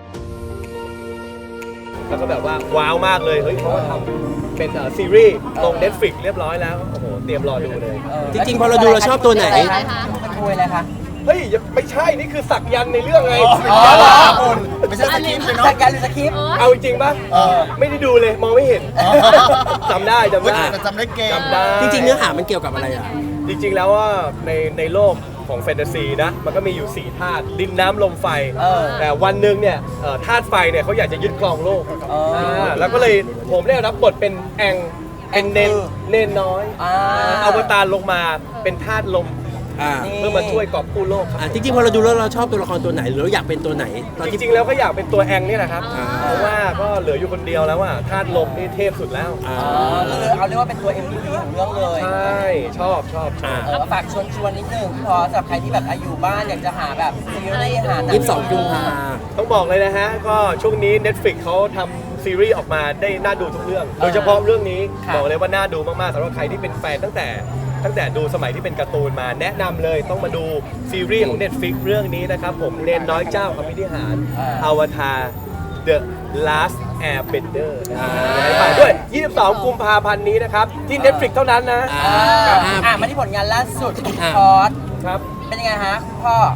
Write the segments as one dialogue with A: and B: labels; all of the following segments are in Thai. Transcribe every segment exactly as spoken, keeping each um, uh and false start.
A: แล้วก็แบบว่าว้าวมากเลยเฮ้ยเขาก็ทำเป็นซีรีส์ลง Netflix เรียบร้อยแล้วโอ้โหเตรียมรอดูเลย
B: จริงๆพอเราดูเราชอบตัวไหน
C: เป็นคุยอะไรคะ
A: เฮ้ยไม่ใช่นี่คือสักยันในเรื่องไง
B: ไม่ใช่สคริปต์เนาะ
C: สักยันหรือสคริปต์
A: เอาจริงป่ะไม่ได้ดูเลยมองไม่เห็นจำได้จำได้
B: จำได้เก่ง
A: จำได้
B: จริงๆเนื้อหามันเกี่ยวกับอะไรอ่ะ
A: จริงๆแล้วว่าในในโลกของแฟนตาซีนะมันก็มีอยู่สี่ธาตุดินน้ำลมไฟแต่วันหนึ่งเนี่ยธาตุไฟเนี่ยเขาอยากจะยึดครองโลกแล้วก็เลยผมได้รับบทเป็นแองเป็นเนนเนนน้อยอวตารลงมาเป็นธาตุลมเพื่อมาช่วยกอบกู้โลกครับ
B: จริงๆพอเราดูแล้วเราชอบตัวละครตัวไหนหรือเราอยากเป็นตัวไหน
A: จริงๆแล้วก็อยากเป็นตัวแองนี่แหละครับเพราะว่าก็เหลืออยู่คนเดียวแล้วว่าธาตุลมนี่เทพสุดแล้ว
C: ก็เลยเอาเรียกว่าเป็นตัว เอ็ม วี พี ของเรื่องเลย
A: ใช่ชอบชอบ
C: ฝากชวนชวนนิดนึงพอสำหรับใครที่แบบอยู่บ้านอยากจะหาแบบซีรีส์หาหนัง
B: ยี่สิบสองกุมภา
A: ต้องบอกเลยนะฮะก็ช่วงนี้ Netflix เขาทำซีรีส์ออกมาได้น่าดูทุกเรื่องโดยเฉพาะเรื่องนี้บอกเลยว่าน่าดูมากๆสำหรับใครที่เป็นแฟนตั้งแต่ตั้งแต่ดูสมัยที่เป็นการ์ตูนมาแนะนำเลยต้องมาดูซีรีส์ของ Netflix เรื่องนี้นะครับผมเนนน้อยเจ้าอภินิหารอวตาร The Last Airbender ฝากด้วยยี่สิบสองกุมภาพันธ์นี้นะครับที่ Netflix เท่านั้นนะ
C: อ่ามาที่ผลงานล่าสุดคอร์ส
A: ครับ
C: เป็นยังไงฮะพ่อ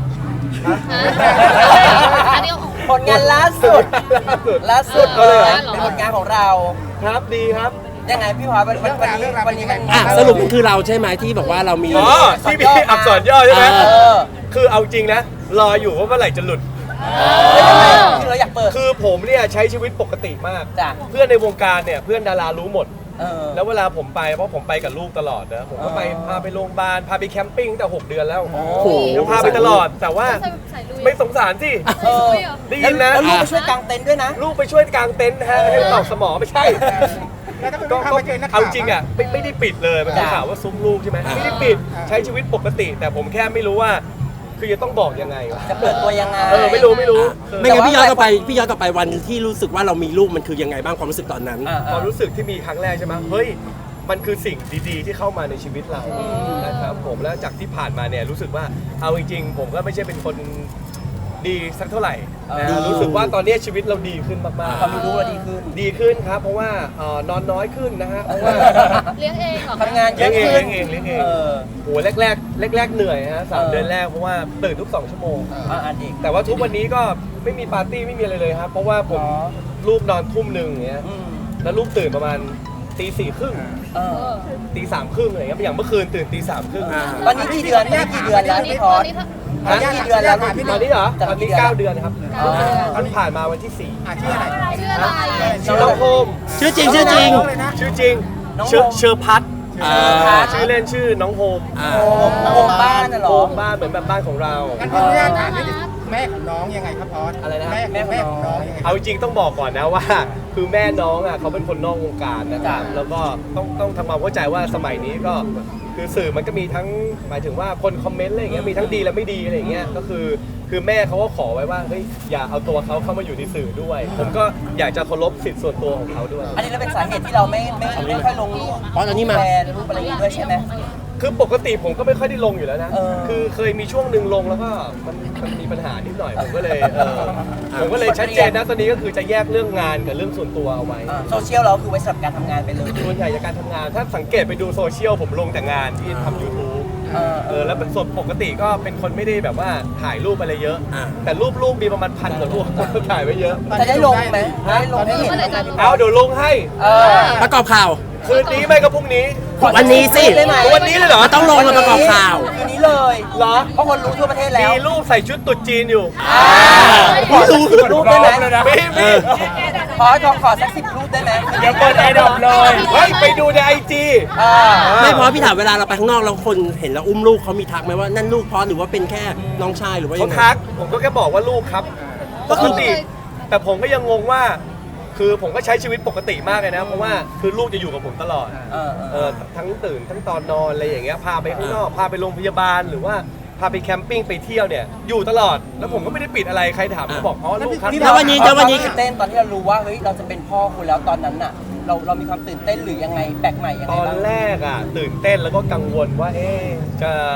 C: ผลงานล่าสุดล่าสุดเลยเป็นผลงานของเรา
A: ครับดีครับ
C: ยังไงพี่พอวันวันนี้วันนี้มัน
B: สรุปมันคือเราใช่ไหมที่บอกว่าเรามี
A: อ๋อที่มีอักษรย่อใช่ไหมคือเอาจริงนะรออยู่ว่าเมื่อไหร่จะหลุด
C: คือเราอยากเปิด
A: คือผมเนี่ยใช้ชีวิตปกติมากเพื่อนในวงการเนี่ยเพื่อนดารารู้หมดแล้วเวลาผมไปเพราะผมไปกับลูกตลอดนะผมก็ไปพาไปโรงพยาบาลพาไปแคมปิ้งตั้งแต่หกเดือนแล้วเดี๋ยวพาไปตลอดแต่ว่าไม่สงสารสิได้ยินนะ
C: แล้วลูกไปช่วยกางเต็นท์ด้วยนะ
A: ลูกไปช่วยกางเต็นท์ฮะให้ตอกสมอไม่ใช่ก็เอาจริงอ่ะไม่ไม่ได้ปิดเลยมันข่าวว่าซุ้มลูกใช่ไหมไม่ได้ปิดใช้ชีวิตปกติแต่ผมแค่ไม่รู้ว่าคือจะต้องบอกยังไง
C: จะเปิดตัวยังไง
A: เออไม่รู้ไม่รู้
B: ไม่งั้นพี่ย้อนกลับไปพี่ย้อนกลับไปวันที่รู้สึกว่าเรามีลูกมันคือยังไงบ้างความรู้สึกตอนนั้น
A: ความรู้สึกที่มีครั้งแรกใช่ไหมเฮ้ยมันคือสิ่งดีๆที่เข้ามาในชีวิตเรานะครับผมแล้วจากที่ผ่านมาเนี่ยรู้สึกว่าเอาจริงๆผมก็ไม่ใช่เป็นคนดีสักเท่าไหร่นะรู้สึกว่าตอนนี้ชีวิตเราดีขึ้นมากๆ
C: ความรู้เราดีขึ้น
A: ดีขึ้นครับเพราะว่านอนน้อยขึ้นนะฮะเพราะว่า
D: เลี้ยงเองเหรอ
C: ทำงานเยอะ
A: ขึ้นเลี้ยงเองเลี้ยงเองโอ้แรกแรกแรกแรกเหนื่อยฮะสามเดือนแรกเพราะว่าตื่นทุกสองชั่วโมงแต่ว่าทุกวันนี้ก็ไม่มีปาร์ตี้ไม่มีอะไรเลยครับเพราะว่าผมลูกนอนทุ่มหนึ่งอย่างเงี้ยแล้วลูกตื่นประมาณตีสี่ครึ่งตีสามครึ่งอะไรเงี้ยอย่างเมื่อคืนตื่นตีสามครึ่ง
C: ตอนนี้กี่เดือนตอนนี้กี่เดือนแล้วพี่พอตอนนี้กี่เดือนแล้ว
A: ตอนนี้เหรอตอนนี้เก้าเดือนครับเพิ่งผ่านมาวันที่สี่
D: ชื่ออะไรชื่ออะไร
A: ชื่อน้องโฮม
B: ชื่อจริงชื่อจริง
A: ชื่อจริงชื่อเชอร์พัทชื่อเล่นชื่อน้องโฮม
C: โฮมบ้านน่ะหรอ
A: โฮมบ้านเหมือนแบบบ้านของเรา
E: แม่ของน้องยังไงครับพอส
A: อะไรนะ
E: แม่แม่ของน้องยังไง
A: เอาจริงต้องบอกก่อนนะว่าคือแม่น้องอ่ะเขาเป็นคนนอกวงการนะครับแล้วก็ต้องต้องทำความเข้าใจว่าสมัยนี้ก็คือสื่อมันก็มีทั้งหมายถึงว่าคนคอมเมนต์อะไรอย่างเงี้ยมีทั้งดีและไม่ดีอะไรอย่างเงี้ยก็คือคือแม่เขาก็ขอไว้ว่าเฮ้ยอย่าเอาตัวเขาเข้ามาอยู่ในสื่อด้วยผมก็อยากจะเคารพสิทธิ์ส่วนตัวของเขาด้วย
C: อันนี้เราเป็นสาเหตุที่เราไม่ไม่ไม่ค่อยลงรูป
B: เพราะตอนนี้มา
C: แฟนรูปอะไรอย่างเงี้ยด้วยใช่ไหม
A: คือปกติผมก็ไม่ค่อยได้ลงอยู่แล้วนะคือเคยมีช่วงหนึ่งลงแล้วก็มันมันมีปัญหานิดหน่อยผมก็เลยเออผมก็เลยชัดเจนนะตอนนี้ก็คือจะแยกเรื่องงานกับเรื่องส่วนตัวเอาไว้
C: โซเชียลเราคือไว้สำหรับการทำงานไปเลย
A: ส่วนใหญ่จากการทำงานถ้าสังเกตไปดูโซเชียลผมลงแต่งานที่ทำ ยูทูบ เออแล้วเป็นส่วนปกติก็เป็นคนไม่ได้แบบว่าถ่ายรูปอะไรเยอะแต่รูปลูกมีประมาณพันกว่ารูปถ่ายไว้เยอะ
C: จะได้ลงไหมได้ลงให้เห็น
A: เอาเดี๋ยวลงให้
B: ประกอบข่าว
A: คืนนี้ไม่ก็พรุ่งนี้
B: วันนี้สิ
A: วันนี้เลยเหรอ
B: ต้องลงมาประกอบข่าว
C: คืนนี้เลย
A: เหรอ
C: เพราะคนรู้ทั่วประเทศแล้ว
A: มีรูปใส่ชุดตุ๊ดจีนอยู่
C: รู้รูปได้ไหม
A: ไม่ไม่
C: ขอขอขอสักสิบรูปได้ไหม
A: เดี๋ยวเปิดไอดอปเลยเฮ้ยไปดูในไอจี
B: ไม่เพราะพี่ถามเวลาเราไปข้างนอกแล้วคนเห็นแล้วอุ้มลูกเขามีทักไหมว่านั่นลูกพอหรือว่าเป็นแค่น้องชายหรือว่ายังไง
A: เขาทักผมก็แค่บอกว่าลูกครับปกติแต่ผมก็ยังงงว่าคือผมก็ใช้ชีวิตปกติมากเลยนะเพราะว่าคือลูกจะอยู่กับผมตลอดเออทั้งตื่นทั้งตอนนอนอะไรอย่างเงี้ยพาไปข้างนอกพาไปโรงพยาบาลหรือว่าพาไปแคมปิ้งไปเที่ยวเนี่ยอยู่ตลอดแล้วผมก็ไม่ได้ปิดอะไรใครถามก็บอกอ๋อลูกครับ
B: แล้ววันนี้แล้ววันนี้
C: ตื่นเต้นตอนที่เรารู้ว่าเฮ้ยเราจะเป็นพ่อคุณแล้วตอนนั้นน่ะเราเรามีความตื่นเต้นหรือยังไงแปลกใหม่ยังไง
A: ตอนแรกอ่ะตื่นเต้นแล้วก็กังวลว่าเอ๊ะจะ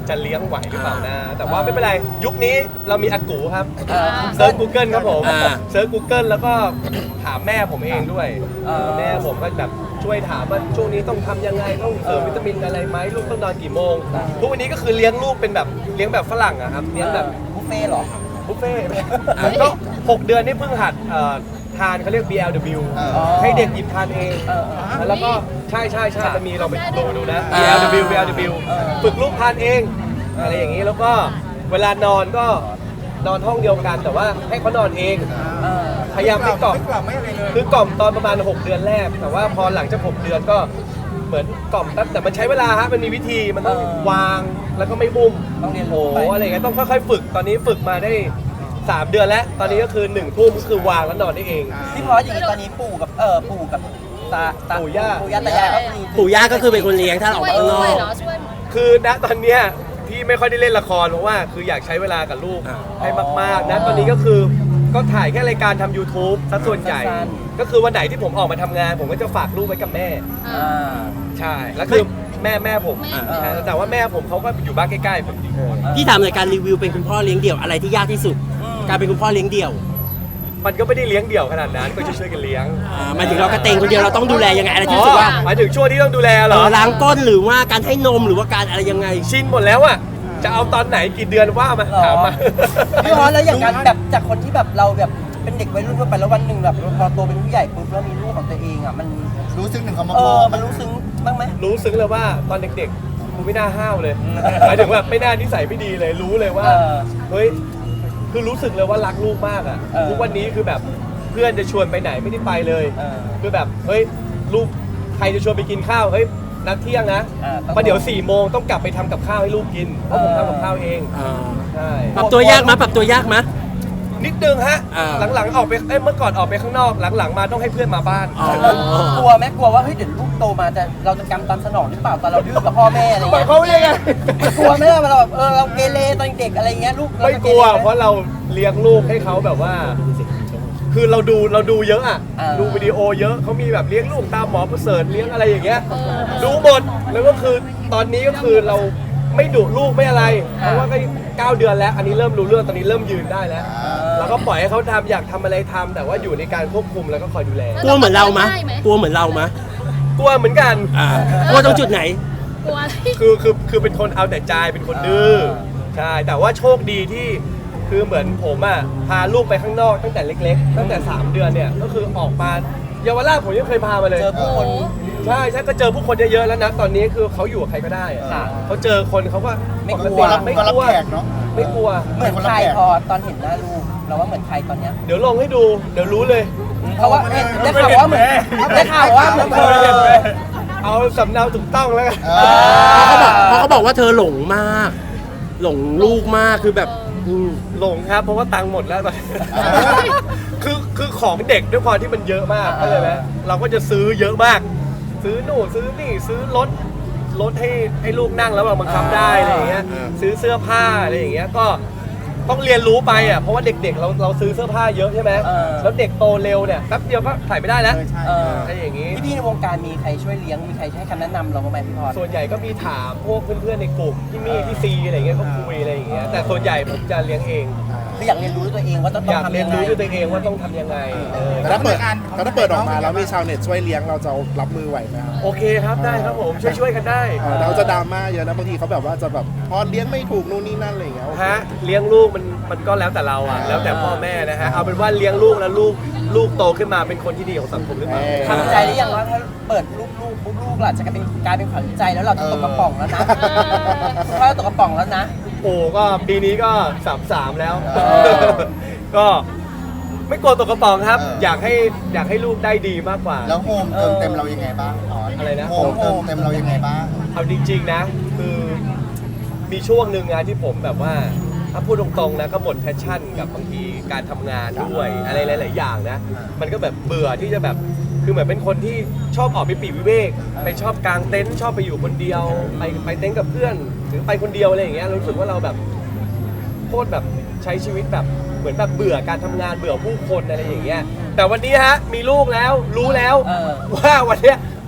A: จะเลี้ยงไหวหรือเปล่านะแต่ว่าไม่เป็นไรยุคนี้เรามีอากูครับ
C: เออ
A: เซิร์ช Google ครับผม
B: อ่า
A: เซิร์ช Google แล้วก็ถามแม่ผมเองด้วย
C: เออ
A: แม่ผมก็แบบช่วยถามว่าช่วงนี้ต้องทำยังไงต้องเสริมวิตามินอะไรไหมลูกต้องนอนกี่โมงทุกวันนี้ก็คือเลี้ยงลูกเป็นแบบเลี้ยงแบบฝรั่งอะครับเลี้ยงแบบ
C: บุฟเฟ่ต์เหรอ
A: บุฟเฟ่ต์ก็หกเดือนนี่เพิ่งหัดเอ่อทานเขาเรียก บี แอล ดับเบิลยู
C: อ๋อ
A: ให้เด็กหยิบทานเอง
C: เออ
A: แล้วก็ใช่ใช่ใช่มันมีเราไปดูดูนะ
B: อ่า
A: บี แอล ดับเบิลยู บี แอล ดับเบิลยู
C: เออ
A: ฝึกลูกทานเองอะไรอย่างนี้แล้วก็เวลานอนก็นอนห้องเดียวกันแต่ว่าให้เขานอนเอง
C: เออ
A: พยายามไม่กล่อม
E: ไม่กล่อมไม่อะไรเลย
A: คือกล่อมตอนประมาณหกเดือนแรก แต่ว่าพอหลังจากหกเดือนก็เหมือนกล่อมแป๊บแต่มันใช้เวลาฮะมันมีวิธีมันต้อง
C: เออ
A: วางแล้วก็ไม่บุ้ม
C: ต้องเรียน
A: โอ้
C: รู้
A: โห
C: ไป
A: อะไรอย่างเงี้ยต้องค่อยๆฝึกตอนนี้ฝึกมาได้สามเดือนแล้ว ตอนนี้ก็คือหนึ่งทุ่มก็คือวางแล้วนอนได้เอง
C: พี่พอสอย่างนี้ตอนนี้ปู่กับเออปู่กับตาตา
A: ปู่ย่า
C: ปู่ย่าตายายก็คือ
B: ปู่ย่าก็คือเป็นคนเลี้ยงถ้าเราอ
D: ช่
B: อก
D: วย
B: ไปข้างนอ
D: ช่วย
B: ก
D: เหรอช่วย
A: คือณตอนเนี้ยพี่ไม่ค่อยได้เล่นละครเพราะว่าคืออยากใช้เวลากับลูก
B: อ่า
A: ให้มากๆนะตอนนี้ก็คือก็ถ่ายแค่รายการทำ YouTube ซะส่วนใหญ่ ก็คือวันไหนที่ผมออกมาทำงาน ผมก็จะฝากลูกไว้กับแม่
C: อ่า
A: ใช่แล้วคือแม่แม่ผม
D: แม่
A: ใช่แต่ว่าแม่ผมเขาก็อยู่บ้านใกล้ๆผม
B: พี่ถามในอยการรีวิวเป็นคุณพ่อเลี้ยงเดี่ยวอะไรที่ยากที่สุด การเป็นคุณพ่อเลี้ยงเดี่ยว
A: มันก็ไม่ได้เลี้ยงเดี่ยวขนาดนั้นก็จะช่วยกันเลี้ยง
B: อ่าหมายถึงเรากระเตงคนเดียวเราต้องดูแลยังไงอะไรที่รู้สึกว่า
A: หมายถึงช่วงที่ต้องดูแลเหร
B: เอ
A: อ
B: อล้างก้นหรือว่าการให้นมหรือว่าการอะไรยังไง
A: ชินหมดแล้วอ่ะจะเอาตอนไหนกี่เดือนว่ามา
C: หรอ
A: ถามมา
C: พี่พอสแล้วอย่างการแบบจากคนที่แบบเราแบบเป็นเด็กวัยรุ่นทั่วไปแล้ววันหนึ่งแบบพอโตเป็นผู้ใหญ่ปุ๊บแล้วมีลูกของตัวเองอ่ะมัน
E: รู้สึกหนึ่งคำว่า
C: เอ
E: พ่อ
C: อมันรู้ซึ้งบ้างไหม
A: รู้ซึ้งเลยว่าตอนเด็กๆกูไม่น่าห้าวเลยหมายถึงว่าไม่น่านิสัยไม่ดีเลยรู้เลยว่า
C: เออ
A: เฮ้ยคือรู้สึกเลยว่ารักลูกมากอ่ะ
C: เออ
A: ทุกวันนี้คือแบบเพื่อนจะชวนไปไหนไม่ได้ไปเลย
C: เออ
A: คือแบบเฮ้ยลูกใครจะชวนไปกินข้าวเฮ้ยนัดเที่ยงนะ
C: อ่าต้อง
A: เพราะเดี๋ยวสี่โมงต้องกลับไปทำกับข้าวให้ลูกกินเพราะผมทำกับข้าวเอง
B: อ่า
A: ใช่
B: ปรับตัวยากมั้ยปรับตัวยากมั้ย
A: นิดนึงฮะ
B: อ่า
A: หลังๆออกไปเอ้ยเมื่อก่อนออกไปข้างนอกหลังๆมาต้องให้เพื่อนมาบ้าน
B: อ๋อ
C: กลัวไหมกลัวว่าเฮ้ยเดี๋ยวลูกโตมาจะเราจะกำตามสนองหรือเปล่าตอนเราดื้อกับพ่อแม่อะไร
A: หมาย
C: เงี้ย
A: เขามยังไง
C: กลัวไหมล่ะเวลาแบบเออเราเกเรตอนเด็กอะไรเงี้ยลูกเรา
A: ไม่
C: จะ
A: กลัว
C: เรไหม
A: เพราะเราเลี้ยงลูกให้เขาแบบว่า คือเราดูเราดูเยอะอ่ะ
C: อ่า
A: ดูวิดีโอเยอะเขามีแบบเลี้ยงลูกตามหมอประเสริฐเลี้ยงอะไรอย่างเงี้ยดูหมดแล้วก็คือตอนนี้ก็คือเราไม่ดุลูกไม่อะไรเพราะว่าก็เก้าเดือนแล้ว อันนี้เริ่มรู้เรื่องตอนนี้เริ่มยืนได้แล้วแล้วก็ปล่อยให้เขาทำอยากทำอะไรทำแต่ว่าอยู่ในการควบคุมแล้วก็คอยดูแล
B: กลัวเหมือนเรามั้ยกลัวเหมือนเรามั้ย
A: กลัวเหมือนกัน
B: อ่ากลัวตรงจุดไหน
D: กลัวอะไร
A: คือคือคือเป็นคนเอาแต่ใจเป็นคนดื้อใช่แต่ว่าโชคดีที่คือเหมือนผมอ่ะพาลูกไปข้างนอกตั้งแต่เล็กๆ ตั้งแต่สามเดือนเนี่ยก็คือออกมาเยาวราชผมยังเคยพามาเลย
C: เจอผู้คน
A: ใช่ใช่ก็เจอผู้คนเยอะๆแล้วนะตอนนี้คือเขาอยู่กับใครก็ได้อะ
C: ค่ะ
A: เขาเจอคนเขาก็
C: ไม่กลัว
A: ปติไม่
E: ก็
A: ก
E: รับ
A: ลัว
E: แขกเนาะ
A: ไม่กลัว
C: เหมือนใครพอตอนเห็นหน้าลูกเราว่าเหมือนใครตอนเนี้ย
A: เดี๋ยวลงให้ดูเดี๋ยวรู้เลย
C: เพราะว่าเห็นได้ข่าวว่าเหมือนได้ข่าวว่าเหมือนเธอ
A: เอาสำเนาถูกต้องแล้วกัน
E: เออ
B: เพราะเขาบอกเพราะเขาบอกว่าเธอหลงมาก หลงลูกมากคือแบบอืม
A: หลงครับเพราะว่าตังค์หมดแล้วตอนนี้ คือคือของเด็กด้วยความที่มันเยอะมากเข้าใจไหมเราก็จะซื้อเยอะมาก ซื้อหนูนซื้อนี่ซื้อรถรถให้ให้ลูกนั่งแล้วเราบังคับได้อะไรอย่างเงี้ย
B: อ่า
A: ซื้อเสื้อผ้าอะไรอย่างเงี้ยก็ต้องเรียนรู้ไปอ่ะเพราะว่าเด็กๆเราเราซื้อเสื้อผ้าเยอะใช่ไหม
C: เออ
A: แล้วเด็กโตเร็วเนี่ยแป๊บเดียวก็ใส่ไม่ได้แล้ว
E: เออใช่
C: เออ
A: อะไรอย่างงี้
C: พี่ๆในวงการมีใครช่วยเลี้ยงมีใครให้คำแนะนำเราบ้างไหมพี่พอส
A: ส่วนใหญ่ก็มีถามพวกเพื่อนๆในกลุ่มพี่มี่พี่ซีอะไรอย่างเงี้ยก็คุยอะไรอย่างเงี้ยแต่ส่วนใหญ่ผมจะเลี้ยงเอง
C: คืออยากเรียนรู้ด้วยตัวเองว่าต้อง
A: อยาก
C: ทำ
A: เรีย
C: ยั
A: น
C: งไง
A: รู้ด้วยตัวเองว่าต้องทำยังไงเออ
F: แต่ถ้าเปิดแต่ถ้าเปิดออกมาแล้วมีชาวเน็ตช่วยเลี้ยงเราจะรับมือไหวไหมครับ
A: โอเคครับได้ครับผมช่วยช่วยๆกันได้
F: เออเราจะดราม่าเยอะนะบางทีเขาแบบว่าจะแบบพอเลี้ยงไม่ถูกนู่นนี่นั่นอะไรอย่างเงี้ย
A: ฮะเลี้ยงลูกมันมันก็แล้วแต่เราอ่ะแล้วแต่พ่อแม่นะฮะเอาเป็นว่าเลี้ยงลูกแล้วลูกลูกโตขึ้นมาเป็นคนที่ดีของสังคมหรือเปล่า
C: ทำใจหรือยังว่าถ้าเปิดลูกลูกปุ๊บลูกหล่ะจะกลายเป็นกลายเป็นขวัญใจแล้วเราจะตกกระป๋องแล้วนะเพราะเราตกกระป๋องแล้วนะ
A: โอ้ก็ปีนี้ก็สามสามแล้ว
C: เออ
A: ก็ไม่กลัวตกกระป๋องครับ
E: เออ
A: อ
E: อ
A: ยากให้อยากให้ลูกได้ดีมากกว่า
E: แล้วโฮมเติมเต็มเรายังไงบ้างพอส
A: อะไรนะ
E: โฮมเติมเต็มเรายังไงบ้าง
A: เอาจริงๆนะ คือมีช่วงหนึ่งนะที่ผมแบบว่าถ้าพูดตรงๆนะก็หมดแพชชั่นกับบางทีการทำงานด้วยอะไรหลายๆอย่างนะ มันก็แบบเบื่อที่จะแบบคือเหมือนเป็นคนที่ชอบออกไปปลีกวิเวกไปชอบกางเต็นท์ชอบไปอยู่คนเดียว ไปไปเต็นท์กับเพื่อนหรือไปคนเดียวอะไรอย่างเงี้ยรู้สึกว่าเราแบบโคตรแบบใช้ชีวิตแบบเหมือนแบบเบื่อการทำงานเบื่อผู้คนอะไรอย่างเงี้ยแต่วันนี้ฮะมีลูกแล้วรู้แล้ว
C: เออ
A: ว่าวันเนี้ย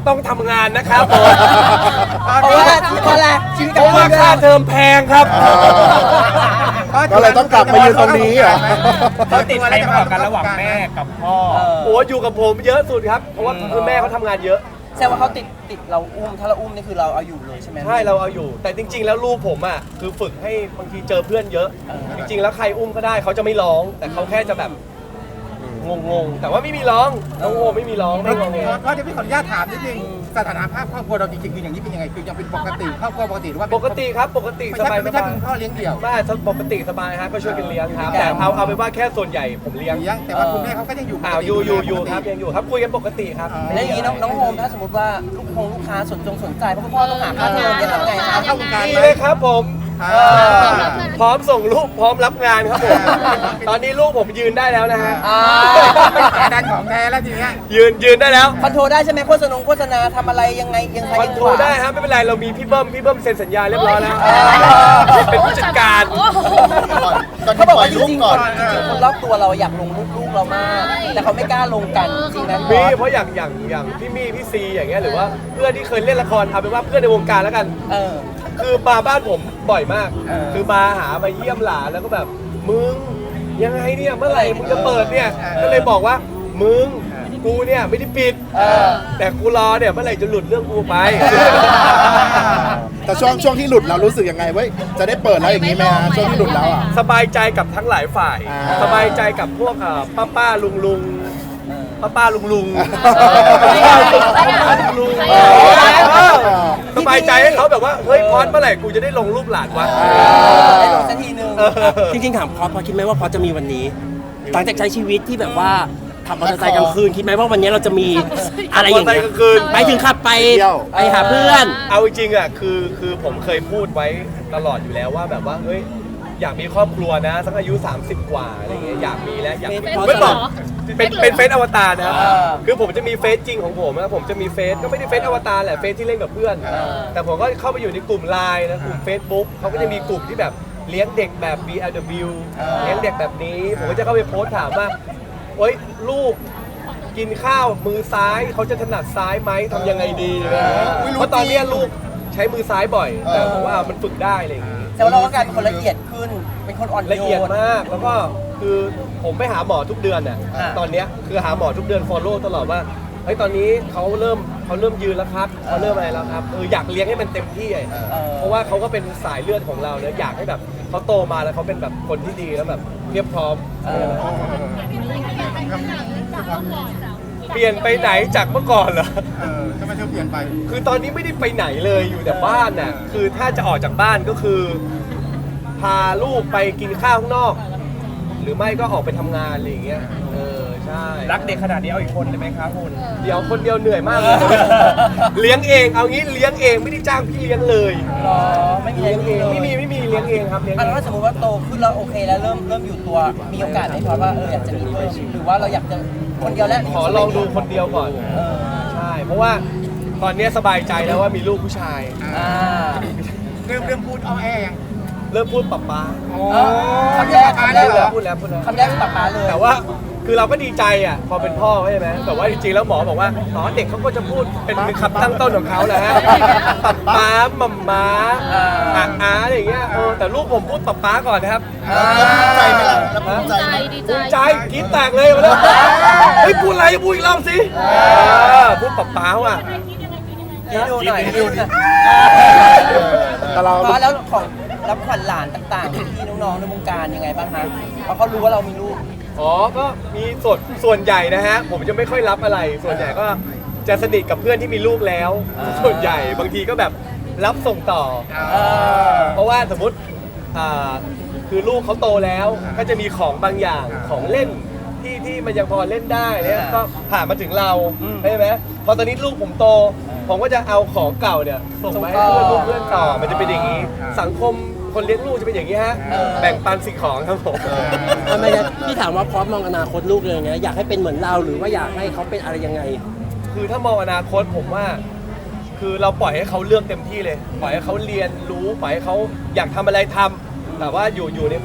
A: ต้องทำงานนะครับผม
C: เพราะว่าเพราะอะไรชีวิต
A: เพ
C: การ
A: ราะว่า
C: เงิน
A: ค่าเทอมแพงครับ
F: ก็เลยต้องกลับมายืนตรงนี้เหรอ
G: เขาติดใครมากกว่ากันระหว่างแม่กับพ่อ
A: โอ้อยู่กับผมเยอะสุดครับ เพราะว่าคือแม่เขาทำงานเยอะ
C: แสดงว่าเขาติดติดเราอุ้มถ้าเราอุ้มนี่คือเราเอาอยู่เลยใช่ไหม
A: ใช่เราเอาอยู่ แต่จริง ๆ แล้วลูกผมอ่ะคือฝึกให้บางทีเจอเพื่อนเยอะ
C: เออ
A: จริง ๆ แล้วใครอุ้มก็ได้เขาจะไม่ร้อง แต่เขาแค่จะแบบงงๆแต่ว่าไม่มีร้องน้องโอไม่มีร้องไม่งงเง
G: ก็จะพี่ขออนุญาตถามนิดนึงสถานะภาพครอบครัวเราจริงๆคืออย่างนี้เป็นยังไงคือยังเป็นปกติครอบครัวปกติหรือว่า
A: ปกติครับปกติ
G: ไม่
A: ส
G: ใช่
A: บาย
G: ไม่
A: ส
G: ใช่
A: บาย
G: เป็นพ่อเลี้ยงเดี่ยว
A: ไม่ปกติสบายฮะก็ช่วยกันเลี้ยงครับแต่เอาเอาเป็นว่าแค่ส่วนใหญ่ผมเลี้ยง
G: เลี้ยงแต่ว่าคุณแม่เขาก็ยังอยู่ปกติ
A: อ้าวอยู่อยู่อยู่ครับยังอยู่ครับคุยกันปกติครับ
C: แล้วอย่างนี้น้องน้องโฮมถ้าสมมติว่าลูกคงลูกค้าสนจงสนใจเพราะคุณพ่อต้องหาค่าเทอมจะทำไงครับ
G: เข้าวงการ
A: ดี
G: ไหม
A: เลยครับผม
G: อ่า
A: พร้อมส่งลูกพร้อมรับงานครับผม ตอนนี้ลูกผมยืนได้แล้วนะฮะ
C: อ่า
G: เป็นดันของแท้แล้วทีเนี้ย
A: ยืนยืนได้แล้ว
C: คอนโทรลได้ใช่ไหมโฆษณาโฆษณาทำอะไรยังไงยังไง
A: คอนโทรลได้ครับไม่เป็นไรเรามีพี่เบิ้มพี่เบิ้มเซ็นสัญญาเรียบร้อยแล้ว
C: เออ
A: เป็นผู้จัดการ
D: โอ้โห
E: ก่อน
C: เขาบอก
E: ปล่อ
C: ว่าย จ
E: ลูก
C: ริงๆ
E: ก่อน
C: จริงๆคนรอบตัวเราอยากลงรูปลูกเรามาก แต่เขาไม่กล้าลงกันจริงนะ
A: มีเพราะอย่างอย่างอย่างพี่มี่พี่ซีอย่างเงี้ยหรือว่าเพื่อนที่เคยเล่นละครเอาเป็นว่าเพื่อนในวงการแล้วกัน
C: เออ
A: คือมาบ้านผมบ่อยมาก
C: เออ
A: คือมาหามาเยี่ยมหลานแล้วก็แบบมึงยังไงเนี่ยเมื่อไหร่มึงจะเปิดเนี่ยก็เลยบอกว่ามึงกูเนี่ยไม่ได้ปิด
C: เออ
A: แต่กูรอเนี่ยเมื่อไหร่จะหลุดเรื่องกูไป
F: แต่ช่วงช่วงที่หลุดเรารู้สึกยังไงเว้ยจะได้เปิดแล้วอย่างนี้ไหมฮะช่วงที่หลุดแล้วอ่ะ
A: สบายใจกับทั้งหลายฝ่าย
F: อ่า
A: สบายใจกับพวกเอ่อป้าป้าลุงลุงป้าป้าลุงลุง
D: ใครอ่ะ
A: ป้าป้าลุงลุง
D: ใคร
A: เอ
D: อ่ะ
A: อสบายใจให้เขาแบบว่าเฮ้ยพอดเมื่อไหร่กูจะได้ลงรูปหลานวะ
C: ได้ลงสักทีนึง
A: เออ
B: จริงๆถามพอสพอคิดไหมว่าพอสจะมีวันนี้ หลังจากใช้ชีวิตที่แบบว่าขับมอเตอร์ไซค์กลางคืนคิดไหมว่าวันนี้เราจะมีอะไรอย่างเงี้ย
A: ขับมอเตอร์ไซค์กลางคืน
B: ไปถึงขับไป
F: เที่ยว
B: ไปหาเพื่อน
A: เอาจริงๆอ่ะคือคือผมเคยพูดไว้ตลอดอยู่แล้วว่าแบบว่าเฮ้ยอยากมีครอบครัวนะสักอายุ สามสิบ กว่าอะไรเงี้ยอยากมีแล้วอยาก
B: เฟซ
A: ไม่บอก
D: เฟ
A: เป็น
D: ซเหรอ
A: เป็นเฟซอวตารนะครับ
C: เออ
A: คือผมจะมีเฟซจริงของผมนะผมจะมีเฟซก็ไม่ได้เฟซอวตารแหละเฟซที่เล่นกับเพื่อน แต่ผมก็เข้าไปอยู่ในกลุ่มไลน์นะกลุ่ม Facebook เขาก็จะมีกลุ่มที่แบบเลี้ยงเด็กแบบ บี แอล ดับเบิลยู เลี้ยงเด็กแบบนี้ผมก็จะเข้าไปโพสต์ถามว่าโอ๊ยลูกกินข้าวมือซ้ายเขาจะถนัดซ้ายไหมทำยังไงดีอะไรเงี้ย
E: อุ๊ยรู้
A: เพราะตอนเนี้ย
E: จริง
A: ลูกใช้มือซ้ายบ่อย แต่
E: เออ
A: ผมว่ามันฝึกได้อะไรอย่างงี้
C: แต่ว่าเราก็กลายเป็นคนละเอียดขึ้น เป็นคนอ่อนโยน
A: ละเอียดมากแล้วก็คือผมไปหาหมอทุกเดือนน่ะ
C: อ่า
A: ตอนเนี้ยคือหาหมอทุกเดือน follow ตลอดว่าเฮ้ยตอนนี้เขาเริ่มเขาเริ่มยืนแล้วครับเขาเริ่มอะไรแล้วครับเอออยากเลี้ยงให้มันเต็มที่อะ
C: เออ
A: เพราะว่าเขาก็เป็นสายเลือดของเราเนอะอยากให้แบบเขาโตมาแล้วเขาเป็นแบบคนที่ดีแล้วแบบเรียบพร้อม
C: เออ
A: เปลี่ยนไปไหนจากเมื่อก่อนเหรอ
G: เออทำไมเธอเปลี่ยนไป
A: คือตอนนี้ไม่ได้ไปไหนเลยอยู่แต่บ้านน่ะคือถ้าจะออกจากบ้านก็คือ พาลูกไปกินข้าวข้างนอก หรือไม่ก็ออกไปทำงานอะไรอย่างเงี้ยเออใช่
G: รักเด็กขนาดนี้เอาอีกคนเลยไหมครับคุณ
A: เดี๋ยวคนเดียวเหนื่อยมากเลย เลี้ยงเองเอางี้เลี้ยงเองไม่ได้จ้างพี่เลี้ยงเลย
C: หรอไม่มี
A: เลี้ยงเอง
C: ล
A: ไม่มีไม่มีเลี้ยงเองครับเลี้ยง
C: อัน
A: เอง
C: ถ้าสมมติว่าโตขึ้นแล้วโอเคแล้วเริ่มเริ่มอยู่ตัวมีโอกาสไหมพอว่าเอออยากจะมีเพิ่มหรือว่าเราอยากจะคนเดียวแล้ว
A: ขอลองดูคนเดียวก่อน
C: เออ
A: ใช่เพราะว่าตอนนี้สบายใจแล้วว่ามีลูกผู้ชาย
C: อ่า
G: เริ่มเริ่มพูดเอาแอยัง
A: เริ่มพูดป๊าป๊า
C: เออคำแรกคำแรก
A: พูด
C: เหร
A: แล้
C: อ
A: วพูดแล้วพูดแล้ว
C: คำแรกคือป๊าป๊าเลย
A: แต่ว่าคือเราก็ดีใจอ่ะพอเป็นพ่อใช่ไหมแต่ว่าจริงๆแล้วหมอบอกว่าอ๋อเด็กเขาก็จะพูดเป็นคำตั้งต้นของเขาแหละฮะป๊าป๊ามัมม้าอาอาอะไรอย่างเงี้ยเออแต่ลูกผมพูดป๊าป๊าก่อนนะครับ
E: แล้วภูมิใจไหมล่ะแล้วภูมิใจไหม
D: ดีใจ
A: ภูมิใจกรี๊ดแตกเลยมาแล้วเฮ้ยพูดอะไรพูดอีกรอบสิเออพูดป๊าป๊าว่ะ
C: คิดดูหน่อยคิดดูหน่อย
F: แต่เรา
C: พอแล้วของรับขวัญหลานต่างๆพี่น้องๆในวงการยังไงบ้างคะเพราะเขารู้ว่าเรามีลูก
A: อ๋อก็มีส่วนส่วนใหญ่นะฮะผมจะไม่ค่อยรับอะไร ส่วนใหญ่ก็จะสนิทกับเพื่อนที่มีลูกแล้ว
C: อ่า
A: ส่วนใหญ่บางทีก็แบบรับส่งต่อ
C: เออ
A: เพราะว่าสมมติอ่าคือลูกเขาโตแล้วก็จะมีของบางอย่างของเล่นที่ที่มันยังพอเล่นได้เนี่ยก็ผ่านมาถึงเราใช่ไหมพอตอนนี้ลูกผมโต ผมก็จะเอาของเก่าเนี่ยส่งไปให้เพื่อนลูกเพื่อนต่อมันจะเป็นอย่างนี้ สังคมคนเลี้ยงลูกจะเป็นอย่างนี้ฮะแบ่งปันสิ่งของครับผม
B: ทำไมนะพี่ถามว่าพอสมองอนาคตลูกเลยไงอยากให้เป็นเหมือนเราหรือว่าอยากให้เขาเป็นอะไรยังไง
A: คือถ้ามองอนาคตผมว่า คือเราปล่อยให้เขาเลือกเต็มที่เลย ปล่อยให้เขาเรียนรู้ปล่อยให้เขาอยากทำอะไรทำแต่ว่าอยู่อยู่ในความอยู่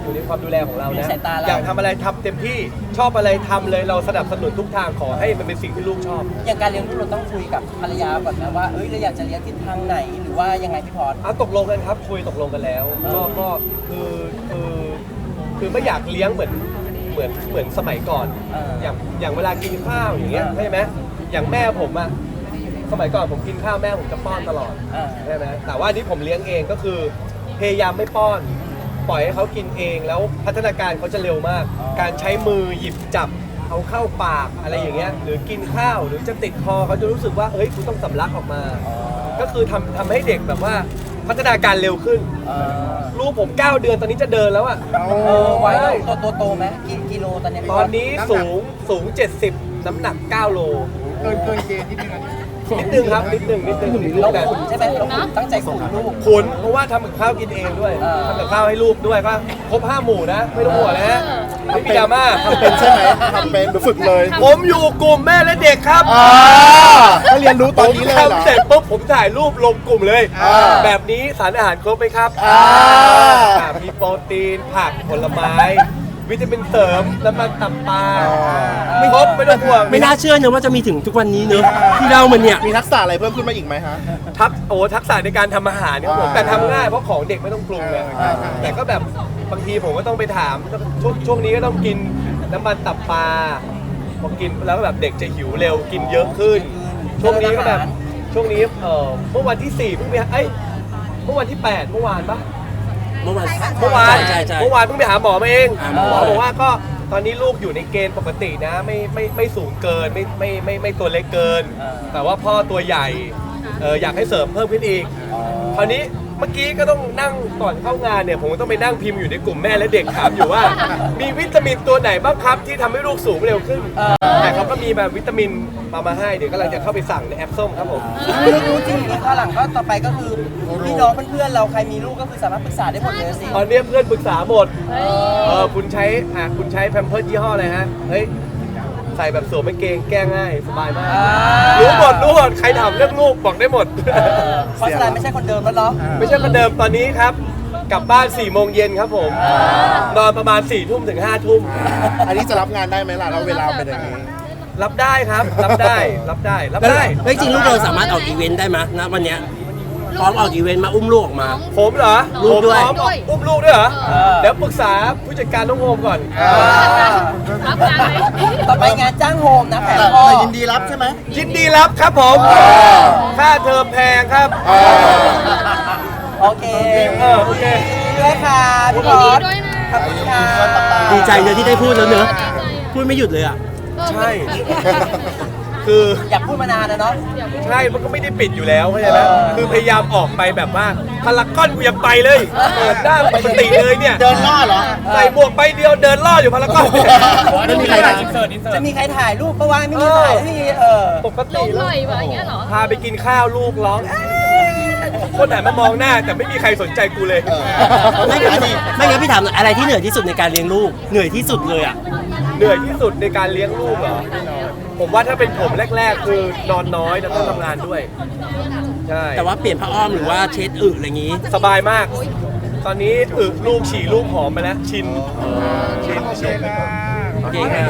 A: อยู่ในความดูแลของเรา
C: อยู่
A: นะ
C: ในสายตาเรา
A: อยากทำอะไรทำเต็มที่ชอบอะไรทำเลยเราสนับสนุนทุกทางขอให้มันเป็นสิ่งที่ลูกชอบ
C: อย่างการเลี้ยงลูกเราต้องคุยกับภรรยาก่อนนะว่าเอ้ยเราอยากจะเลี้ยงทิศทางไหนหรือว่ายังไงพี่พอร์ต
A: อ่ะตกลงกันครับคุยตกลงกันแล้วก็ก็คือคือคือไม่อยากเลี้ยงเหมือนเหมือนเหมือนสมัยก่อน
C: เออ
A: อย่างอย่างเวลากินข้าวอย่างเงี้ย
C: เออ
A: ใช่ไหมอย่างแม่ผมอะสมัยก่อนผมกินข้าวแม่ผมจะป้อนตลอด
C: เออ
A: ใช่ไหมแต่ว่าอันนี้ผมเลี้ยงเองก็คือพยายามไม่ป้อน ปล่อยให้เขากินเองแล้วพัฒนาการเขาจะเร็วมาก
C: อ๋อ
A: การใช้มือหยิบจับเอาเข้าปากอะไรอย่างเงี้ยหรือกินข้าวหรือจะติดคอเขาจะรู้สึกว่าเฮ้ยคุณต้องสำลักออกมา ก็คือทำทำให้เด็กแบบว่าพัฒนาการเร็วขึ้น
C: เออ
A: ลูกผมเก้าเดือนตอนนี้จะเดินแล้วอะ
C: เออไว้ตัวตัวโตไหมกี่กิโลตอนนี้พี่
A: ต
C: พ
A: อ
C: อน ร์ต
A: นี้สูงสูงเจ็ดสิบน้ำหนักเก้าโล
G: เกินเกินเกณฑ์ที่นึงอันนี้
A: นิดนึงครับนิดนึงนิดนึง
C: เรา
A: แต่
C: ขุนใช่ไหมเราขุนตั้งใจขุนลูก
A: ขุนเพราะว่าทำกับข้าวกินเองด้วย
C: เออ
A: ทำกับข้าวให้ลูกด้วยก็ครบห้าหมู่นะไม่ต้องห่วงนะฮะไม่มีดราม่า
F: ทำเป็นใช่ไหมทำเป็นหรือฝึกเลย
A: ผมอยู่กลุ่มแม่และเด็กครับ
F: อ่าถ้าเรียนรู้ตอนนี้เลยเหรอ
A: ผมทำเสร็จปุ๊บผมถ่ายรูปลงกลุ่มเลย
F: อ่า
A: แบบนี้สารอาหารครบไหมครับ
F: อ่า
A: อ่ามีโปรตีนผักผลไม้ วิตามินเสริมน้ำมันตับปลาครบไม่ต้องห่วง
B: ไม่น่าเชื่อเนอะว่าจะมีถึงทุกวันนี้เนอะที่เรามันเนี่ย
F: มีทักษะอะไรเพิ่มขึ้นมาอีกไหมฮะ
A: ทักโอ้ทักษะในการทำอาหารเนี่ยครับผม
F: อ่า
A: แต่ทำง่ายเพราะของเด็กไม่ต้องปรุงเลย
F: อ่า
A: แต่ก็แบบบางทีผมก็ต้องไปถามช่วงช่วงนี้ก็ต้องกินน้ำมันตับปลาพอกินแล้วก็แบบเด็กจะหิวเร็วกินเยอะขึ้น ช่วงนี้ก็แบบช่วงนี้เออเมื่อวันที่สี่เพิ่งไปเอ้ยเมื่อวันที่แปดเมื่อวานปะ
B: เมื่อวาน
A: เมื่อวาน
B: ใช่ใช่
A: เมื่อวานเพิ่งไปหาหมอมาเอง
B: อ่า
A: หมอบอกว่าก็ตอนนี้ลูกอยู่ในเกณฑ์ปกตินะไม่ไม่ไม่สูงเกินไม่ไม่ไม่ไม่ตัวเล็กเกิน แต่ว่าพ่อตัวใหญ่เอออยากให้เสริมเพิ่มขึ้นอีก คราวนี้เมื่อกี้ก็ต้องนั่งก่อนเข้างานเนี่ยผมก็ต้องไปนั่งพิมพ์อยู่ในกลุ่มแม่และเด็กถามอยู่ว่า มีวิตามินตัวไหนบ้างครับที่ทำให้ลูกสูงเร็วขึ้น แต่เขาก็มีแบบวิตามินมามาให้เดี๋ยวกำลังจะเข้าไปสั่งในแอปส้มครับผม
C: รู้รู้จริงนี่ข้างหลังก็ต่อไปก็คือพี่น้องเพื่อนๆเราใครมีลูกก็คือสามารถปรึกษาได้หมดเลยสิ
A: ตอนนี้เพื่อนปรึกษาหมด เออคุณใช้อ่ะคุณใช้แพมเพิร์สยี่ห้ออะไรฮะ เฮ้ย ใส่แบบสวมกางเกงแก้ง่ายสบายมาก
C: อ่า
A: รู้หมดรู้หมดใครถามเรื่องลูกบอกได้หมด
C: เพราะฉะนั้นไม่ใช่คนเดิมแล้วเนาะ
A: ไม่ใช่คนเดิมตอนนี้ครับ กลับบ้าน4ี่โมงเย็นครับผม นอนประมาณ4ี่ทุ่มถึงห้าทุ่ม
F: อันนี้จะรับงานได้ไหมล่ะเราเวลาเป็นอย่างนี้
A: รับได้ครับ รับได้ รับได้ รับ
B: แล้ว
A: ได้
B: เฮ้ยจริงลูกเราสามารถออกอีเวนต์ได้ไหมนะวันเนี้ยพร้อมออกอีเวนต์มาอุ้มลูกออกมา
A: ผมเหรอ
B: ลูกด้วย
A: ผมพร้อมอุ้มลูกด้วยเหรอ เดี๋ยวปรึกษาผู้จัดการน้องโฮมก่อน
D: รับงานไหม
C: ต่อไปงานจ้างโฮมนะแผน
F: แต่
C: พ่อ
F: แต่ยินดีรับใช่ไหม
A: ยินดีรับครับผม ค่าเทอมแพงครับ
F: อ่า
C: โอเค
A: เออโอเค
C: ด้วยค่ะพี่พอร์ต
D: ด้วยนะ
C: ขอบคุณค่ะ
B: ดีใจเนอะที่ได้พูดแล้วเนอะพูดไม่หยุดเลยอ่ะ
A: ใช่ คือ
C: อยากพูดมานานแล้วเนาะ
A: ใช่ มันก็ไม่ได้ปิดอยู่แล้วเข้าใจไหมคือพยายามออกไปแบบว่าพารากอนกูยังไปเลย เปิดหน้าปกติเลยเนี่ย
F: เดินล่อเหรอ
A: ใส่หมวกใบเดียวเดินล่ออยู่พารากอน
F: ไม่มีใครถ่าย
C: จะมีใครถ่ายรูปปะวะไม่มีถ่ายที่เออ
A: ปก
D: ล
A: ติ
D: งห
A: แล้
D: น่
A: ว
D: อยว่ะอย่างเงี้ยเหรอ
A: พาไปกินข้าวลูกร้องเอ๊ะคนหันมามองหน้าแต่ไม่มีใครสนใจกูเลย
F: เออ
B: ไม่งั้นไม่งั้นพี่ถามหน่อยอะไรที่เหนื่อยที่สุดในการเลี้ยงลูกเหนื่อยที่สุดเลยอ่ะ
A: เหนื่อยที่สุดในการเลี้ยงลูกเหรอ ผมว่าถ้าเป็นผมแรก ๆ คือนอนน้อยแล้วต้องทำงานด้วย ใช่
B: แต่ว่าเปลี่ยนผ้าอ้อมหรือว่าเช็ดอึอะไรอย่างงี้
A: สบายมาก ตอนนี้อึลูกฉี่ลูกหอมไปแล้ว ชิน ชิน
G: โอเค
A: ชิน
G: นะ
B: โอเคครับ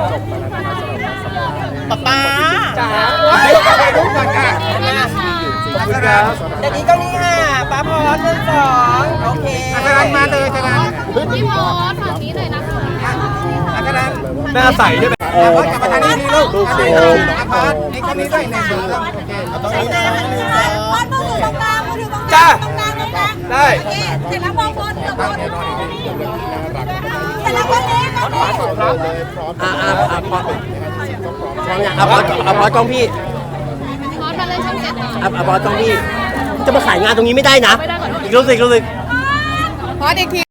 F: ป๊าป๊า
A: จ๋า
G: ลูกก่อนค่ะ
A: ขอบคุณครับ
C: เดี๋ยวนี้ก็นี่ค่ะป้าพรเรื่องสองโอเค
G: อาจารย์มาเลยอาจารย์
D: พี่พอสฝั่งนี้หน่อยนะคะ
G: อาจารย์
A: หน้าใสใช่ไหม
G: อาพอดกลับมาทางนี้ทีลูกอาพอดนี่คนนี้ด้วยในมือโอเค
F: ต้องนี้นะหนึ่งสอง
H: มอนมือถือตรงกลางมือถือตรงกลาง
A: จ้า
H: ตรงกลางเลยนะ
A: ได้
H: โอเคเสร็จแล้วมองบนเดี๋ยวบนเสร็จแล้ววันนี้ก็มี
F: เลยพร้อม
B: อ่าอ่าอ่าพอพร้อมยังอ่ะพออ่ะพอกล้องพี่
D: พอสมาเลยช่องเจ็ดหน่อย
B: อ่ะอ่ะพอกล้องพี่จะมาขายงานตรงนี้ไม่ได้นะอีกรูปสิอีกรูปสิ
H: พออีกที